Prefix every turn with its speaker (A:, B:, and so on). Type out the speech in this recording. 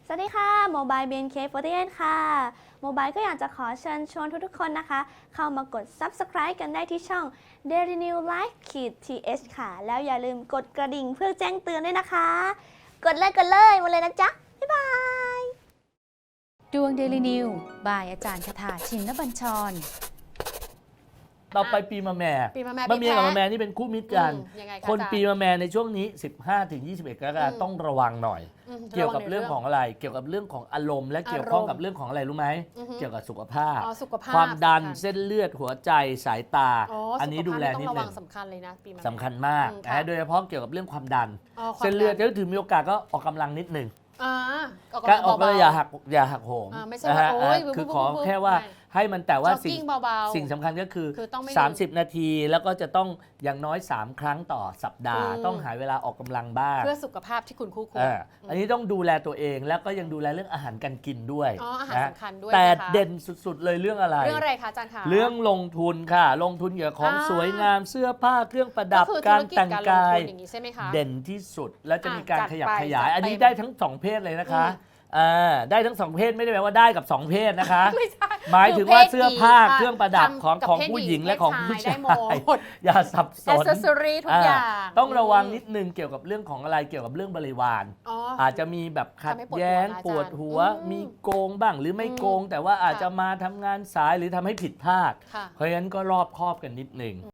A: สวัสดีค่ะโมบาย BNK48 ค่ะโมบายก็อยากจะขอเชิญชวนทุกๆคนนะคะ เข้ามากด Subscribe กันได้ที่ช่อง Daily New Life th ค่ะ แล้วอย่าลืมกดกระดิ่งเพื่อแจ้งเตือนด้วยนะคะ กดเลยมาเลยนะจ๊ะ บ๊ายบาย
B: ดวงเดลินิวบายอาจารย์คาถาชินบัญชร
C: ต่อไปปีมะแม่
D: ปีมะแม่
C: มะเมียกับ
D: ปีแพะ
C: มะแม่นี่เป็นคู่มิตรกัน
D: ยังไงคะ
C: คน
D: อาจารย์
C: ปีมะแม่ในช่วงนี้ 15-21 กรกฎาคมต้องระวังหน่อย เกี่ยวกับเรื่องของอะไร เกี่ยวกับเรื่องของอารมณ์และเกี่ยวข้องกับเรื่องของอะไรรู้ไหม เกี่ยวกับสุขภาพ
D: สุขภาพ
C: ความดัน
D: สำคัญ
C: เส้นเลือดหัวใจสายตา อันนี้ดูแลนิด
D: ต้องระ
C: ห
D: วั
C: นึ่
D: ง
C: ง
D: สำคัญเลยนะปีมะแม่
C: สำคัญมาก
D: ค่ะ
C: นะโดยเฉพาะเกี่ยวกับเรื่องความดัน
D: ความ
C: เส้นเลือด
D: ดั
C: ถ้าถึงมีโอกาสก็ออกกำลังนิดหนึ่ง
D: ออก
C: ก็
D: กำลัง
C: ออกก็
D: เบาๆ
C: อย่าหักโหม
D: ไม่ใช่
C: นะ
D: ว่า
C: ฮะ
D: โอ๊ย
C: คือขอ
D: ปุ๊บ
C: แค่ว่า
D: ไม่
C: ให้มันแต่ว่า
D: จ็อกกิ้งเบาๆ
C: สิ่งสำคัญก็คือ
D: คือต้องไม่ลืม
C: 30 นาทีแล้วก็จะต้องอย่างน้อย 3 ครั้งต่อสัปดาห์ ต้องหาเวลาออกกำลังบ้าง
D: เพื่อสุขภาพที่คุณคู่ควร
C: อันนี้ต้องดูแลตัวเองแล้วก็ยังดูแลเรื่องอาหารการกินด้วย
D: อาหาร
C: นะ
D: สำคัญด้วย
C: แต่
D: นะคะ
C: เด่นสุดๆเลยเรื่องอะไร
D: เรื่องอะไรคะอาจารย์คะ
C: เรื่องลงทุนค่ะ ลงทุนเกี่ยวกับของ
D: อ่า
C: สวยงามเสื้อผ้าเครื่องประดับ
D: ก็คือ
C: การ
D: ธุรกิจ
C: แต่ง
D: การลง
C: กาย
D: ทุนอย่างนี้ใช่ไหมคะ
C: เด่นที่สุดแล้วจะมีการ
D: จัด
C: ขยับ
D: ไป
C: ขยาย
D: จัด
C: อันนี้
D: เต็ม
C: ได้ทั้งสองเพศเลยนะคะได้ทั้งสองเพศไม่ได้แปลว่าได้กับสองเพศนะคะ
D: ไม่ใช่
C: หมายถึงว่า
D: คือเพศ
C: เสื้อผ้า
D: หญิง
C: เครื่องประดับ
D: ทำกับ
C: ของ
D: เพศ
C: ผู้หญิง
D: หญิง
C: และของ
D: เพศ
C: ผู้
D: ชา
C: ชาย
D: ได้หมด
C: อย่าสับส
D: แอน สเซอรี่ทุกอย่าง
C: ต้องระวังนิดนึงเกี่ยวกับเรื่องของอะไรเกี่ยวกับเรื่องบริวาร อาจจะมีแบบขัด
D: ทำให้ปวดหัว
C: แย้ง
D: นะอาจารย์
C: ปวดหัว มีโกงบ้างหรือไม่โกง แต่ว่าอาจจะมาทำงานสายหรือทำให้ผิดพลาด
D: ค่ะ
C: เพราะฉะนั้นก็รอบคอบกันนิดนึง